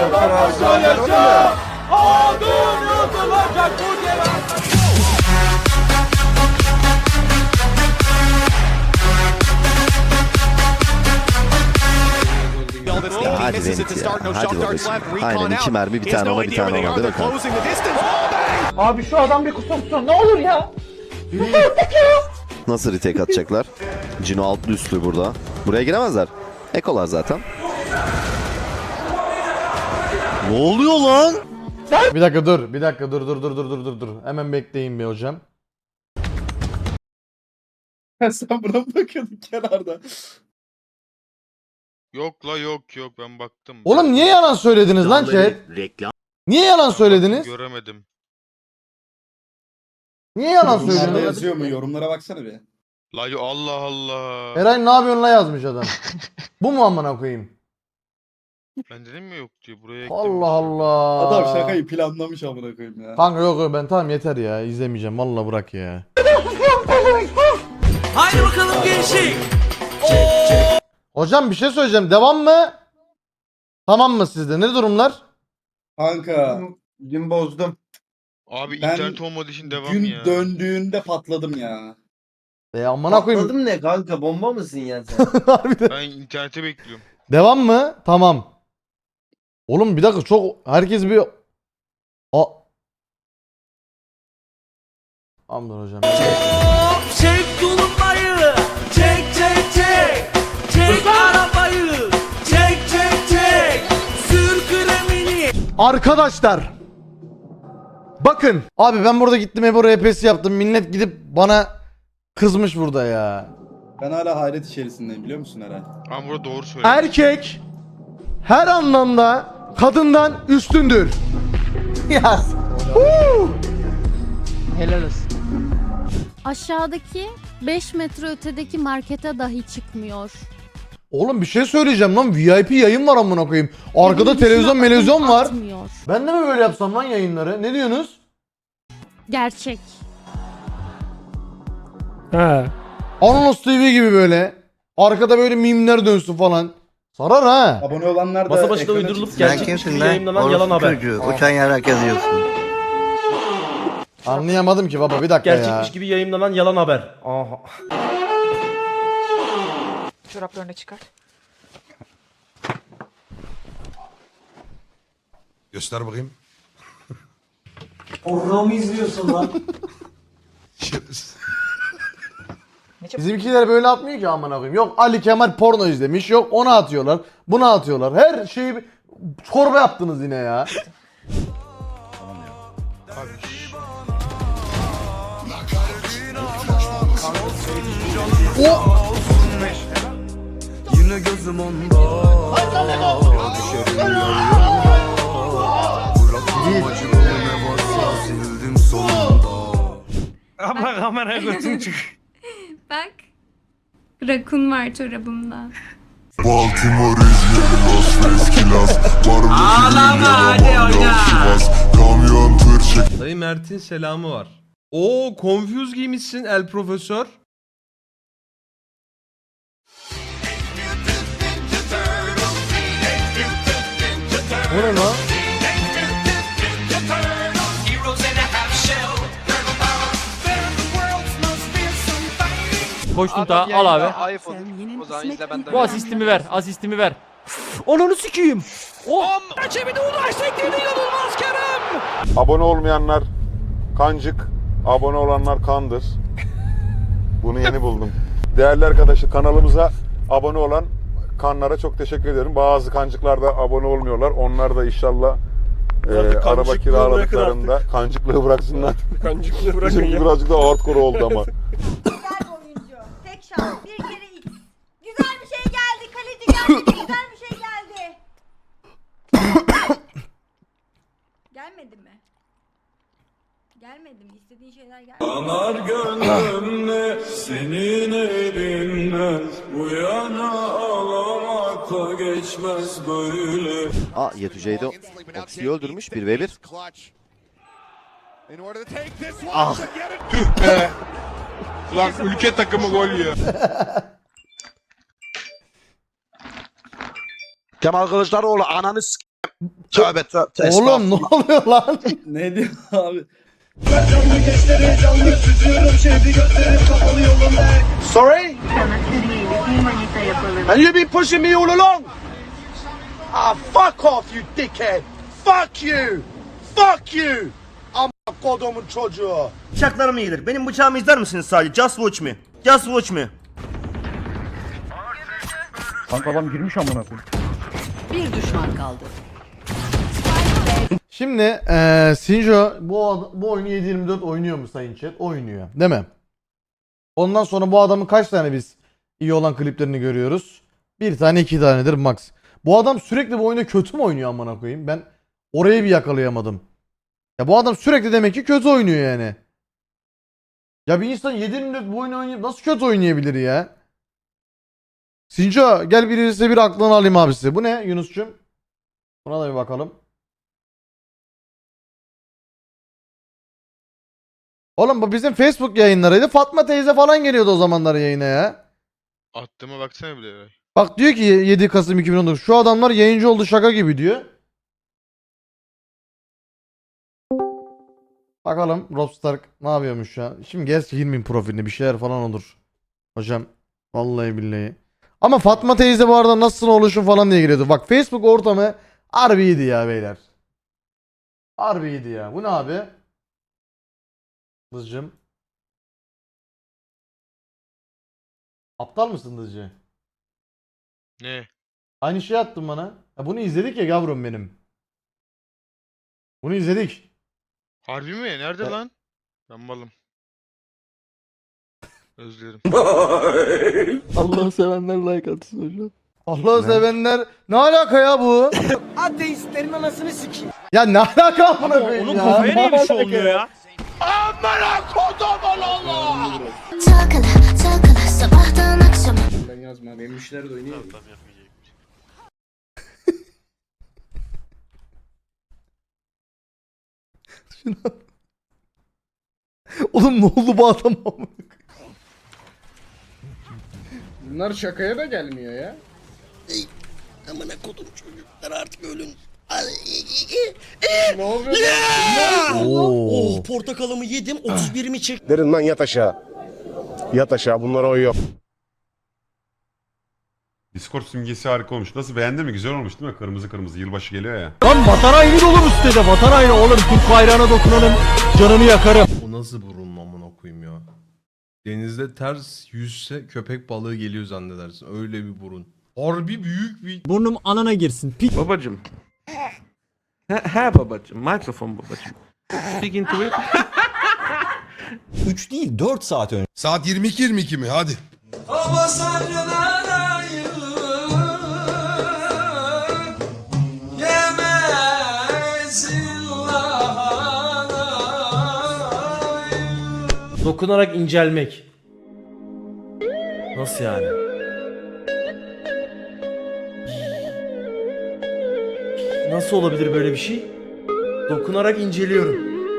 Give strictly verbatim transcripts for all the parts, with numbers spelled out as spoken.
Adım yazılacak bu cevap. Ya hadi Zenit ya. Hadi babacığım. Aynen iki mermi bir tane ona bir tane ona. Hadi bakalım. Abi şu adam bir kusursun ne olur ya. Nasıl retake atacaklar? Cino altlı üstlü burada. Buraya giremezler. Ekolar zaten. Ne oluyor lan? Bir dakika dur. Bir dakika dur dur dur dur dur dur dur. Hemen bekleyin bir hocam. Sen buna mı bakıyordun kenarda? Yok la yok yok ben baktım. Oğlum niye yalan söylediniz lan chat? Niye yalan söylediniz? Göremedim. Niye yalan Yorumlarda söylediniz? yazıyor mu? Yorumlara baksana bir. La yo- Allah Allah. Eray ne yapıyorsun la yazmış adam. Bu mu amına koyayım? Ben dedim mi yok diye buraya Allah eklemiş. Allah. Adam şakayı planlamış amına koyayım ya. Kanka yok yok ben tamam yeter ya izlemeyeceğim vallahi bırak ya. Haydi bakalım gençlik. Hocam bir şey söyleyeceğim devam mı? Tamam mı sizde ne durumlar? Kanka Dün bozdum. Abi Ben internet olmadığı için devam gün ya. döndüğünde patladım ya. E amına koyayım. Patladım ne kanka, bomba mısın ya sen? Harbiden. Ben internete bekliyorum. Devam mı? Tamam. Oğlum bir dakika çok herkes bir A Amdır hocam. Çek tulumbayı. Çek çek çek. Çek arabayı. Çek çek çek. Sür kremini. Arkadaşlar. Bakın. Abi ben burada gittim Ebo R P'si yaptım. Millet gidip bana kızmış burada ya. Ben hala hayret içerisindeyim biliyor musun Eray? Ama burada doğru söylüyor. Erkek her anlamda kadından üstündür. Yaz. Helal olsun. Aşağıdaki beş metre ötedeki markete dahi çıkmıyor. Oğlum bir şey söyleyeceğim lan. V I P yayın var amına koyayım. Arkada Evin televizyon dışına televizyon adım var. atmıyor. Ben de mi böyle yapsam lan yayınları? Ne diyorsunuz? Gerçek. Anonos T V gibi böyle. Arkada böyle mimler dönsün falan. Sarar ha. Abone olanlar da Masa başında ekrana uydurulup çıksın. gerçekmiş gibi yayınlanan yalan haber. Uçan yarak yazıyorsun. Anlayamadım ki baba bir dakika ya. Gerçekmiş gibi yayınlanan yalan haber. Aha. Çoraplarını çıkar. Göster bakayım. Programı izliyorsun lan. Bizimkiler böyle atmıyor ki amına koyayım. Yok Ali Kemal porno izlemiş. Yok onu atıyorlar. Bunu atıyorlar. Her şeyi çorba yaptınız yine ya. O Yine gözüm onda. Düşerim Bıraktım acımı ne varsa sildim sonunda. Abla kameraya götün çık. Bak. Rakun var çorabımda. Baltimore, İzmir, Las Vegas, Kilas. Ağlama hadi oyna. Kamyon tır çek. Dayı Mert'in selamı var. Oo confuse giymişsin el profesör. bu ne lan? Koştun ta al abi. Bu asistimi ver, asistimi ver. Onunu sikeyim. Oh! Rakibi de ulaş tekniğini inanılmaz Kerem. Abone olmayanlar kancık, abone olanlar kandır. Bunu yeni buldum. Değerli arkadaşlar kanalımıza abone olan kanlara çok teşekkür ederim. Bazı kancıklar da abone olmuyorlar. Onlar da inşallah e, araba kiraladıklarında kancıklığı bıraksınlar. Kancıklığı bırakın Bizim ya. birazcık da hardcore oldu ama. Güzel oyuncu. Tek şans. Bir kere X. Güzel bir şey geldi. Kaleci geldi. Güzel bir şey geldi. Gelmedi mi? Gelmedi mi? İstediğin şeyler gelmedi. Yanar gönlümle senin elinden. Bu yana ağlamakla geçmez böyle. Aa Yetüce'yi de Oksi'yi öldürmüş bir ve bir. Ah. Lan ülke takımı gol yiyor. Kemal Kılıçdaroğlu ananı s***. Tövbe tövbe. Oğlum ne oluyor lan? Ne diyor abi? Sorry? And you been pushing me all along? Ah, fuck off you dickhead. Fuck you. Fuck you. Amma kodumun çocuğu. Bıçaklarım iyidir. Benim bıçağımı izler misiniz sadece? Just watch me. Just watch me. Bir düşman kaldı. Şimdi eee Sinjo bu ad- bu oyunu yedi yirmi dört oynuyor mu sayın chat? Oynuyor. Değil mi? Ondan sonra bu adamın kaç tane biz iyi olan kliplerini görüyoruz? Bir tane iki tanedir max. Bu adam sürekli bu oyunda kötü mü oynuyor amına koyayım? Ben orayı bir yakalayamadım. Ya bu adam sürekli demek ki kötü oynuyor yani. Ya bir insan yedi yirmi dört bu oyunu oynayıp nasıl kötü oynayabilir ya? Sinco gel birisi bir aklını alayım abisi. Bu ne Yunus'cum? Buna da bir bakalım. Oğlum bu bizim Facebook yayınlarıydı. Fatma teyze falan geliyordu o zamanlar yayına ya. Attığıma baksana bile Eray. Bak diyor ki yedi Kasım iki bin on dokuz. Şu adamlar yayıncı oldu şaka gibi diyor. Bakalım Rob Stark ne yapıyormuş ya. Şimdi gerçi girmeyeyim profiline bir şeyler falan olur. Hocam vallahi billahi. Ama Fatma teyze bu arada nasılsın oluşun falan diye giriyordu. Bak Facebook ortamı harbiydi ya beyler. Harbiydi ya. Bu ne abi? Dızcım. Aptal mısın Dızcı? Ne? Aynı şey attın bana. Ya bunu izledik ya yavrum benim. Bunu izledik. Harbi mi? Nerede Ya- lan? Ben malım. Özlerim. Allah'ı sevenler like atsın hocam. Allah'ı sevenler ne alaka ya bu? Ateistlerin anasını sikeyim. Ya ne alaka amına koyayım Onun ya? kafaya niye bir şey oluyor ya? Takılı takılı sabahtan akşama. Ben yazma. Benim müşteri de oynuyor. Oğlum ne oldu bu adama? Bunlar şakaya da gelmiyor ya. Amına kodum çocuklar artık ölün. Ne oluyor? Oo. Oh portakalımı yedim otuz birimi çek. Derin lan yat aşağı. Yat aşağı bunlara oy yok. Discord simgesi harika olmuş. Nasıl beğendin mi? Güzel olmuş değil mi? Kırmızı kırmızı yılbaşı geliyor ya. Lan vatan haini dolu bu sitede. Vatan haini oğlum. Türk bayrağına dokunanın canını yakarım. O nasıl burun amına koyayım ya. Denizde ters yüzse köpek balığı geliyor zannedersin. Öyle bir burun. Harbi büyük bir... Burnum anana girsin. Pi Babacım. He, he babacım. Mikrofon babacım. Speak into it. üç değil dört saat önce. Saat yirmi iki yirmi iki mi? Hadi. Dokunarak incelmek. Nasıl yani? Nasıl olabilir böyle bir şey? Dokunarak inceliyorum.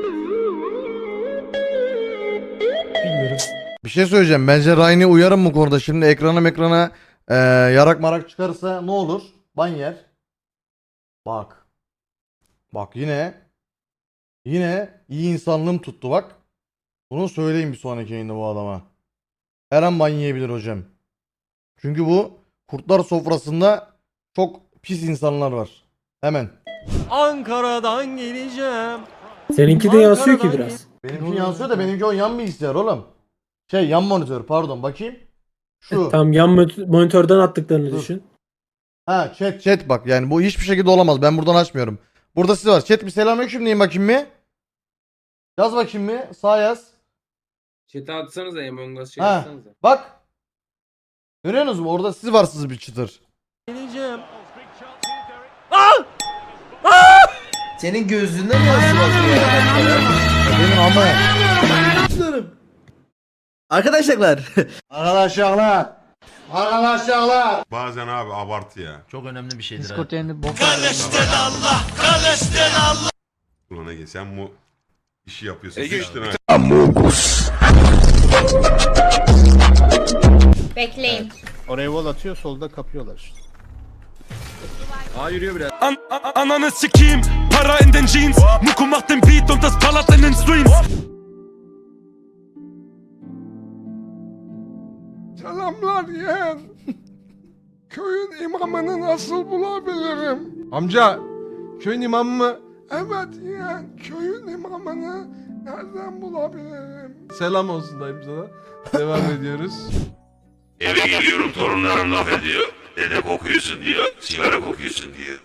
Bilmiyorum. Bir şey söyleyeceğim. Bence Ryan'e uyarım bu konuda. Şimdi ekrana ekrana e, yarak marak çıkarsa ne olur? Ban yer. Bak. Bak yine. Yine iyi insanlığım tuttu bak. Bunu söyleyeyim bir sonraki yayında bu adama. Her an ban yiyebilir hocam. Çünkü bu kurtlar sofrasında çok pis insanlar var. Hemen. Ankara'dan geleceğim. Seninki de yansıyor ki biraz. Benimki yansıyor da benimki o yan bilgisayar oğlum. Şey yan monitör pardon bakayım. Şu. Tam yan monitörden attıklarını Dur. düşün. Ha chat chat bak yani bu hiçbir şekilde olamaz. Ben buradan açmıyorum. Burada siz var. Chat bir selamünaleyküm deyin bakayım mı? Yaz bakayım mı? Sağ yaz. Chat'e atsanıza Among Us Ha. Bak. Görüyorsunuz mu? Orada siz varsınız bir çıtır. Geleceğim. Senin gözlüğünde mi yansıyor? Benim ama. Arkadaşlar. Arkadaşlar. Arkadaşlar. Bazen abi abartı ya. Çok önemli bir şeydir. Discord yayını bok. Ulan Ege sen bu işi yapıyorsun. Sıçtın ha. Bekleyin. Oraya wall atıyor solda kapıyorlar işte. Aa yürüyor biraz. An an ananı sikeyim. Para in den Jeans. Muku macht den Beat und das ballert in den Streams. Selamlar yeğen. Köyün imamını nasıl bulabilirim? Amca, köyün imamı mı? Evet yeğen, köyün imamını nereden bulabilirim? Selam olsun dayım sana. Devam ediyoruz. Eve geliyorum torunlarım laf ediyor. Dede kokuyorsun diyor. Sigara kokuyorsun diyor.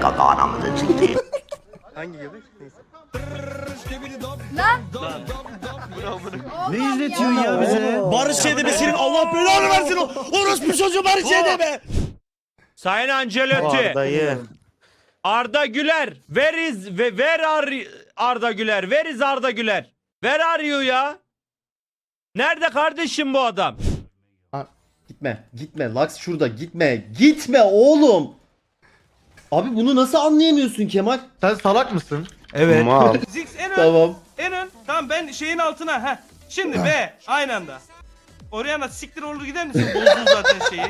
Ne izletiyorsun ya bize? Barış Edebe senin Allah belanı versin o. Orospu çocuğu Barış Edebe. Sayın Ancelotti. Arda Güler. Where is ve where are Arda Güler? Where is Arda Güler? Where are you ya? Nerede kardeşim bu adam? Gitme, gitme. Lux şurada, gitme. Gitme oğlum. Abi bunu nasıl anlayamıyorsun Kemal? Sen salak mısın? Evet. Zix en ön. Tamam. En ön. Tamam ben şeyin altına. Heh. Şimdi B. Aynı anda. Oraya nasıl siktir olur gider misin? Bozdun zaten şeyi.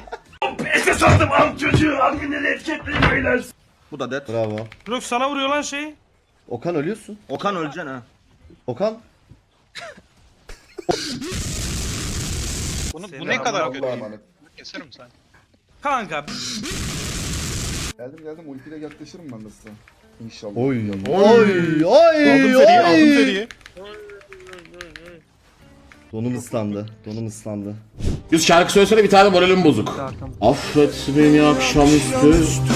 Bu da dead. Bravo. Bırak sana vuruyor lan şey. Okan ölüyorsun. Okan öleceksin ha. Okan. Bunu, bu ne kadar kötü? Keserim sen. Kanka. Geldim geldim ultiyle yaklaşırım ben de size. İnşallah. Oy. Oy. Oy. Oy. Donum ıslandı. Donum ıslandı. Yüz şarkı söylesene bir tane moralim bozuk. Affet beni akşamüstü.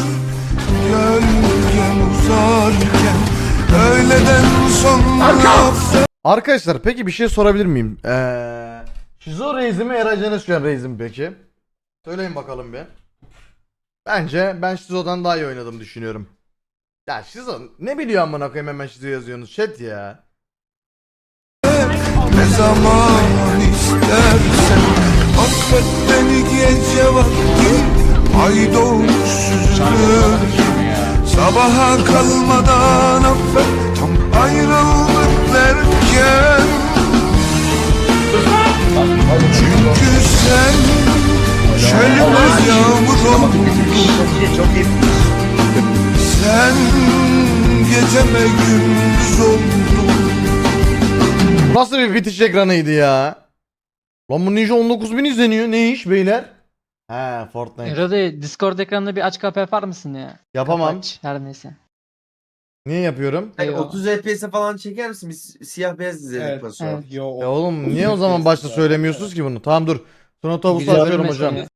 Arkadaşlar peki bir şey sorabilir miyim? Eee Şizo Reis'i mi Eracan Özkan Reis'i mi peki? Söyleyin bakalım bir. Bence ben Şizo'dan daha iyi oynadım düşünüyorum. Ya Şizo ne biliyor amına koyayım hemen Şizo yazıyorsunuz chat ya. Ne zaman istersen affet beni gece vakti. Ay doğmuş süzülür. Sabaha kalmadan affet tam ayrıldık derken. Çünkü sen çölümüz yağmur oldun. Sen geceme gündüz oldun. Nasıl bir bitiş ekranıydı ya? Lan bu Ninja on dokuz bin izleniyor. Ne iş beyler? He Fortnite. Erode Discord ekranında bir aç kapı yapar mısın ya? Yapamam. Kapaç, her neyse. Niye yapıyorum? otuz F P S'e falan çeker misin? Biz siyah beyaz izledik Evet. Batu. Ya oğlum niye o zaman başta söylemiyorsunuz ki bunu? Tamam dur. Sonra tavusu açıyorum hocam.